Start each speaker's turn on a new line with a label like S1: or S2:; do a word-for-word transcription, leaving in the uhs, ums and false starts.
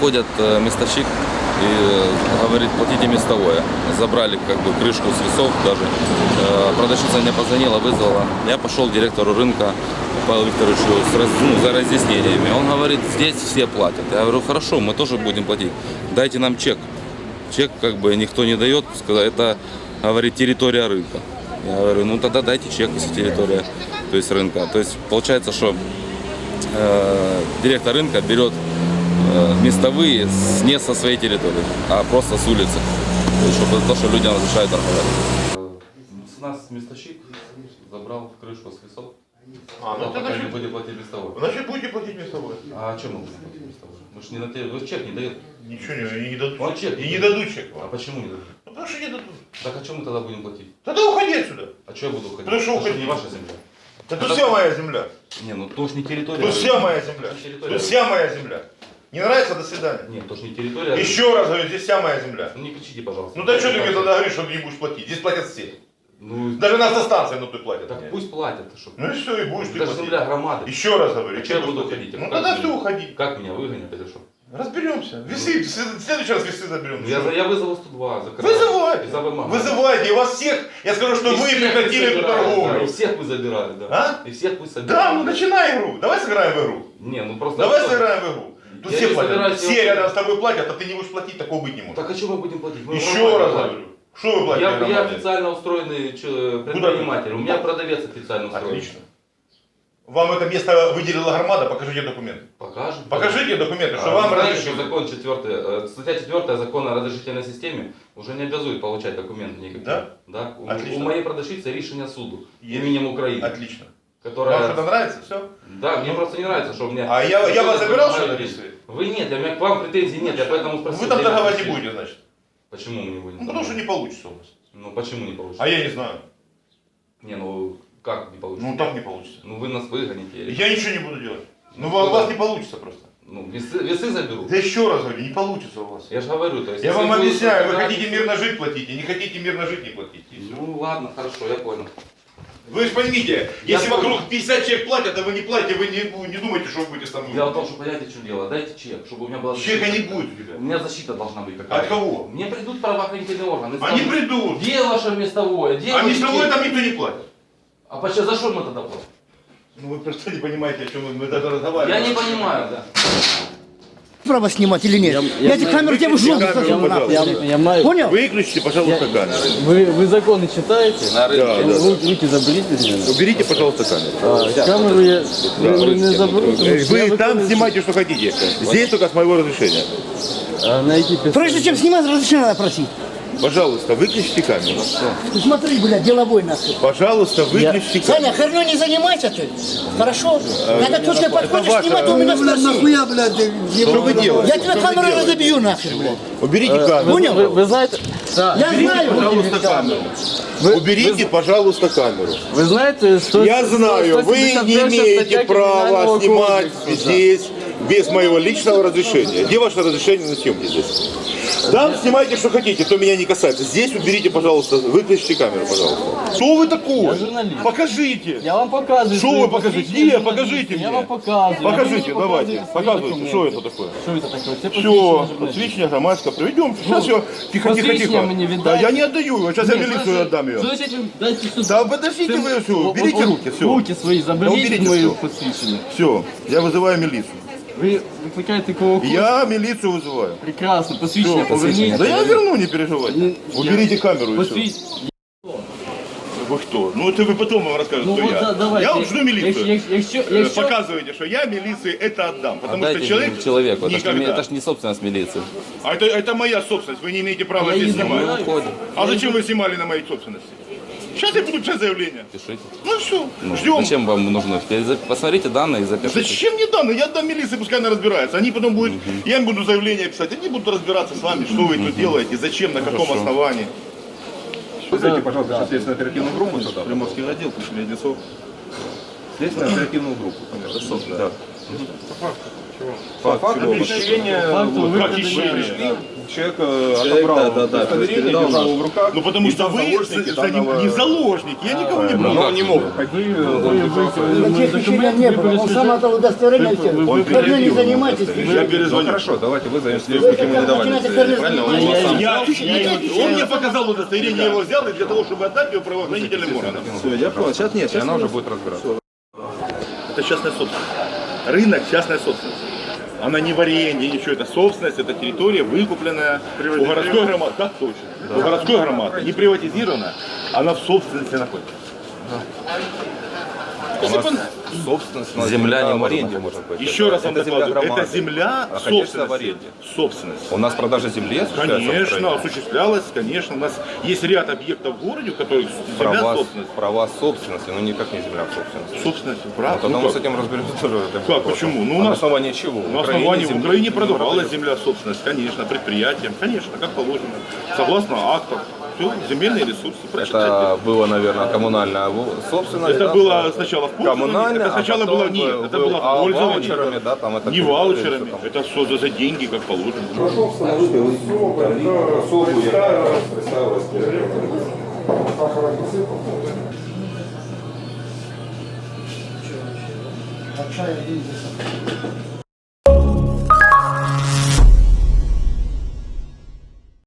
S1: Приходят э, местовщик и э, говорит, платите местовое. Забрали как бы крышку с весов даже. Э, продавщица мне позвонила, вызвала. Я пошел к директору рынка Павлу Викторовичу с раз, ну, за разъяснениями. Он говорит, здесь все платят. Я говорю, хорошо, мы тоже будем платить. Дайте нам чек. Чек как бы никто не дает. Это, говорит, территория рынка. Я говорю, ну тогда дайте чек, если территория, то есть рынка. То есть получается, что э, директор рынка берет э, местовые с, не со своей территории, а просто с улицы. То есть, чтобы то, что людям разрешают торговать. С нас местовщик забрал крышку с весов.
S2: А, ну тогда
S1: не будете платить местовой.
S2: Значит, будете платить местовой.
S1: А о чем мы будем платить местовой? Мы же не на те... Вы чек не даете.
S2: Ничего не, не дадут.
S1: Он чек.
S2: И не дадут чек вам.
S1: А почему не дадут?
S2: Ну, потому что не дадут.
S1: Так о чем мы тогда будем платить?
S2: Тогда уходи отсюда.
S1: А что я буду уходить?
S2: Потому что
S1: Это
S2: уходи.
S1: не ваша земля.
S2: Да тут вся моя земля.
S1: Не, ну то ж не территория.
S2: Тут вся моя земля.
S1: Территория.
S2: Тут вся моя земля. Не нравится, до свидания.
S1: Нет, то ж не территория.
S2: Еще раз говорю, здесь вся моя земля.
S1: Ну не кричите, пожалуйста.
S2: Ну да что ты мне тогда говоришь, что ты не будешь платить? Здесь платят все.
S1: Ну,
S2: Даже на автостанции ну, ты платят.
S1: так пусть платят. Что?
S2: Ну и все, и будешь ты
S1: Это же
S2: платить.
S1: земля громады.
S2: Еще раз говорю.
S1: А что я буду уходить?
S2: Ну
S1: Как
S2: тогда
S1: меня?
S2: все, уходи.
S1: Как меня выгонят или что?
S2: Разберемся. Весы, в следующий раз весы заберем.
S1: Ну, я, я вызову сто два. Закрываю.
S2: Вызывайте.
S1: За вымогание.
S2: Вызывайте. И вас всех, я скажу, что
S1: И
S2: вы
S1: всех
S2: прекратили эту
S1: собирали, да,
S2: торговлю.
S1: и всех вы забирали, да.
S2: А?
S1: И всех вы собирали.
S2: Да, ну начинай игру. Давай сыграем в игру.
S1: Не, ну просто...
S2: Давай
S1: что?
S2: сыграем в игру. Тут
S1: Я
S2: все
S1: не
S2: платят.
S1: собираюсь
S2: Все
S1: его-
S2: рядом с тобой платят, а ты не будешь платить, такого быть не может.
S1: Так а что мы будем платить? Мы
S2: Еще
S1: нормально
S2: раз
S1: платим.
S2: говорю. Что вы платите?
S1: Я, я
S2: нормально?
S1: официально устроенный чё, предприниматель. У меня продавец официально устроен.
S2: Отлично. Вам это место выделила громада, покажите документы.
S1: Покажем.
S2: Покажите документы, что
S1: А
S2: вам
S1: вы знаете, что
S2: разрешили.
S1: закон четвертый, э, статья четвертая закона о разрешительной системе уже не обязует получать документы никакие.
S2: Да?
S1: Да. У,
S2: Отлично.
S1: у моей продавщицы решение суду
S2: Есть.
S1: именем Украины.
S2: Отлично.
S1: Которая...
S2: Вам это нравится? Все?
S1: Да, мне просто не нравится, что мне...
S2: А я, я вас забирал, что ли?
S1: Вы нет, я, у меня к вам претензий нет, я поэтому спросил.
S2: Вы там
S1: где
S2: торговать не
S1: претензии?
S2: будете, значит.
S1: Почему мы не будем?
S2: Ну потому что не получится у вас.
S1: Ну почему не получится?
S2: А я не знаю.
S1: Не, ну как не получится?
S2: Ну так не получится.
S1: Ну вы нас выгоните.
S2: Я ничего не буду делать. Ну
S1: Ну,
S2: у вас
S1: да.
S2: не получится просто.
S1: Ну весы, весы заберу.
S2: Да еще раз говорю, не получится у вас.
S1: Я же говорю, то есть...
S2: Я
S1: если
S2: вам
S1: будут
S2: объясняю, вы
S1: собирать-
S2: хотите мирно жить, платите. Не хотите мирно жить, не платите. И всё.
S1: Ну ладно, хорошо, я понял.
S2: Вы же поймите,
S1: Я
S2: если
S1: понял.
S2: вокруг пятьдесят человек платят, а вы не платите, вы не, вы не думаете, что вы будете со мной.
S1: Дело в том, что понимаете, что дело. Дайте чек, чтобы у меня была
S2: Чека
S1: защита.
S2: не будет у тебя.
S1: У меня защита должна быть какая-то.
S2: От кого?
S1: Мне придут правоохранительные органы.
S2: Они
S1: скажут,
S2: придут.
S1: где ваше местовое? Где
S2: А
S1: ваш
S2: местовой
S1: чек?
S2: там никто не платит.
S1: А почему, за что мы тогда платим?
S2: Ну вы просто не понимаете, о чем мы, мы даже разговариваем.
S1: Я не понимаю, да.
S3: Право снимать или нет? Я, эти камеры тебе в жопу
S2: камеру,
S3: засуну,
S2: пожалуйста.
S3: нахуй.
S4: Я, я маю.
S3: Понял?
S2: Выключите, пожалуйста, камеру.
S4: Вы, вы законы читаете?
S1: На рынке.
S2: Да,
S4: Вы Руки заберите из меня.
S2: Уберите, пожалуйста, камеру.
S4: А, камеру я не, не заберу. потому что я
S2: Вы там
S4: выполню-
S2: снимайте, что хотите. Здесь только с моего разрешения.
S4: А, найти пистолет.
S3: Прежде чем снимать, разрешение надо просить.
S2: Пожалуйста, выключите камеру.
S3: Ты смотри, блядь, деловой нахуй.
S2: Пожалуйста, выключите
S3: Саня,
S2: камеру.
S3: херню не занимайся ты. Хорошо? Когда точно подходишь,
S2: ваше-
S3: снимать, у меня спроси.
S2: Что вы делаете?
S3: Я тебе камеру разобью нахер, блядь.
S2: Уберите камеру.
S3: Понял?
S4: Вы, вы знаете,
S3: Я
S2: Уберите,
S3: знаю.
S2: пожалуйста, камеру.
S4: вы,
S2: Уберите, пожалуйста, камеру.
S4: вы знаете, что...
S2: Я знаю, вы не имеете права снимать здесь без моего личного разрешения. Где ваше разрешение на съемки здесь? Там снимайте, что хотите, то меня не касается. Здесь уберите, пожалуйста, выключите камеру, пожалуйста. Что вы такой?
S4: Я журналист.
S2: Покажите.
S4: Я вам показываю.
S2: Что
S4: свои
S2: вы покажите?
S4: посвящения
S2: Нет,
S4: журналиста.
S2: покажите
S4: Я
S2: мне.
S4: вам показываю.
S2: Покажите,
S4: А вы мне
S2: давайте.
S4: показываете свои
S2: Показывайте, что
S4: документы.
S2: это такое.
S4: Что это такое? Це
S2: Все,
S4: посвідчення
S2: посвящение громадское приведем. Сейчас все, тихо, тихо,
S4: Посвящение
S2: тихо.
S4: мне
S2: Да,
S4: віддайте.
S2: я не отдаю его, сейчас я
S4: Ні,
S2: милицию
S4: значить,
S2: отдам ее.
S4: значить, ви дайте сюди.
S2: Да подождите
S4: Це-
S2: вы все,
S4: О-
S2: уберите
S4: о-
S2: руки, все.
S4: Руки свої заберіть
S2: уберите
S4: від моєї
S2: всё.
S4: посвідчення.
S2: Все, я вызываю милицию.
S4: Ви викликаєте кого хочете.
S2: Я милицию вызываю.
S4: Прекрасно, посвідчення
S2: Всё,
S4: поверніть.
S2: Да я верну, не переживайте.
S4: Ну,
S2: Уберите
S4: я-
S2: камеру и все.
S4: Посвід-
S2: Вы кто? Ну это вы потом вам расскажете,
S4: Ну
S2: кто
S4: от
S2: я.
S4: да- давайте.
S2: Я вам жду милицию.
S4: Якщо, якщо,
S2: Э,
S4: якщо,
S2: Показывайте, что я милиции это отдам. Потому
S1: Отдайте
S2: что человек
S1: человеку. Это ж, не,
S2: никогда.
S1: это ж не собственность милиции.
S2: А это, это моя собственность, вы не имеете права
S4: Я
S2: здесь
S4: не
S2: снимать.
S4: забираю.
S1: Уходим.
S2: А зачем вы снимали на моей собственности? Сейчас я буду писать заявление.
S1: Пишите.
S2: Ну все,
S1: Ну,
S2: ждем.
S1: Зачем вам нужно? Посмотрите данные и запишите.
S2: Зачем мне данные? Я отдам милиции, пускай она разбирается. Они потом будут, я им буду заявление писать, они будут разбираться с вами, что вы тут делаете, зачем, на каком основании.
S5: Вызовите, пожалуйста, сейчас следственную оперативную группу сюда, Приморский отдел, пришли Одессов. Следственную оперативную группу. Одессов, да. По факту чего? По факту
S2: чего?
S5: похищения,
S4: Факту
S5: вот,
S4: выкрадения.
S5: похищения. человек э, отобрал
S1: да, да, да,
S5: удостоверение,
S1: передал
S5: держал
S1: нам.
S5: его в руках.
S2: Ну потому
S5: и
S2: что
S5: там
S2: вы
S5: заложники
S2: за- за ним
S5: данного-
S2: не заложники, я никого не
S1: Ну,
S2: брал.
S1: как не мог.
S4: Вы, вы, вы,
S3: Таких впечатлений не было. Он сам это удостоверение все.
S5: Он
S3: Вы не
S5: предъявил
S3: занимайтесь.
S5: удостоверение.
S2: Я
S5: Ну
S2: перезвоню.
S5: хорошо, давайте вызовем
S3: Вы
S5: следствие.
S3: как
S1: ему не давали
S3: начинаете
S1: удостоверение,
S3: первый
S1: правильно? Он
S3: раз
S1: его сам-
S2: Я,
S3: Я-
S2: он мне показал удостоверение, я его взял и для того, чтобы отдать его правоохранительным органам.
S5: Все, я понял. Сейчас нет, сейчас она уже будет разбираться.
S2: Это частная собственность. Рынок – частная собственность. Она не в аренде, ничего. Это собственность, это территория, выкупленная у городской громады. Так точно. У городской громады. Не приватизирована, она в собственности находится.
S5: У нас собственность, у нас
S1: Земля не
S5: в
S1: может
S5: аренде
S1: находиться.
S5: может быть.
S2: Еще раз вам
S5: Это земля
S2: докладываю,
S5: громады.
S2: это земля
S5: находящаяся в
S2: собственности.
S5: аренде.
S2: Собственность.
S5: У нас продажа земли осуществляется в
S2: Конечно,
S5: Украине?
S2: осуществлялось, конечно. У нас есть ряд объектов в городе, у которых земля
S5: Права,
S2: собственность.
S5: права собственности, но никак не земля собственности.
S2: Собственность,
S5: Ну,
S2: прав.
S5: тогда
S2: Ну,
S5: мы с
S2: как?
S5: этим разберемся тоже. это
S2: Как,
S5: вопрос.
S2: почему? Ну, у
S5: А на
S2: нас-
S5: основании чего?
S2: На основании в
S5: земли
S2: Украине
S5: не
S2: продавалась
S5: продается.
S2: земля собственность, конечно, предприятиям, конечно, как положено, согласно актам. Все, земельные ресурсы. прочитайте.
S5: Это было, наверное, коммунальная во- собственность.
S2: Это
S5: да,
S2: было
S5: да?
S2: сначала в пользовании,
S5: коммунальная,
S2: это сначала
S5: а потом
S2: было нет,
S5: был-
S2: это
S5: был-
S2: было
S5: а
S2: в пользовании.
S5: ваучерами, да, там это
S2: Не
S5: как-
S2: ваучерами,
S5: что там?
S2: это все за, за деньги, как положено.
S3: Большая деньги.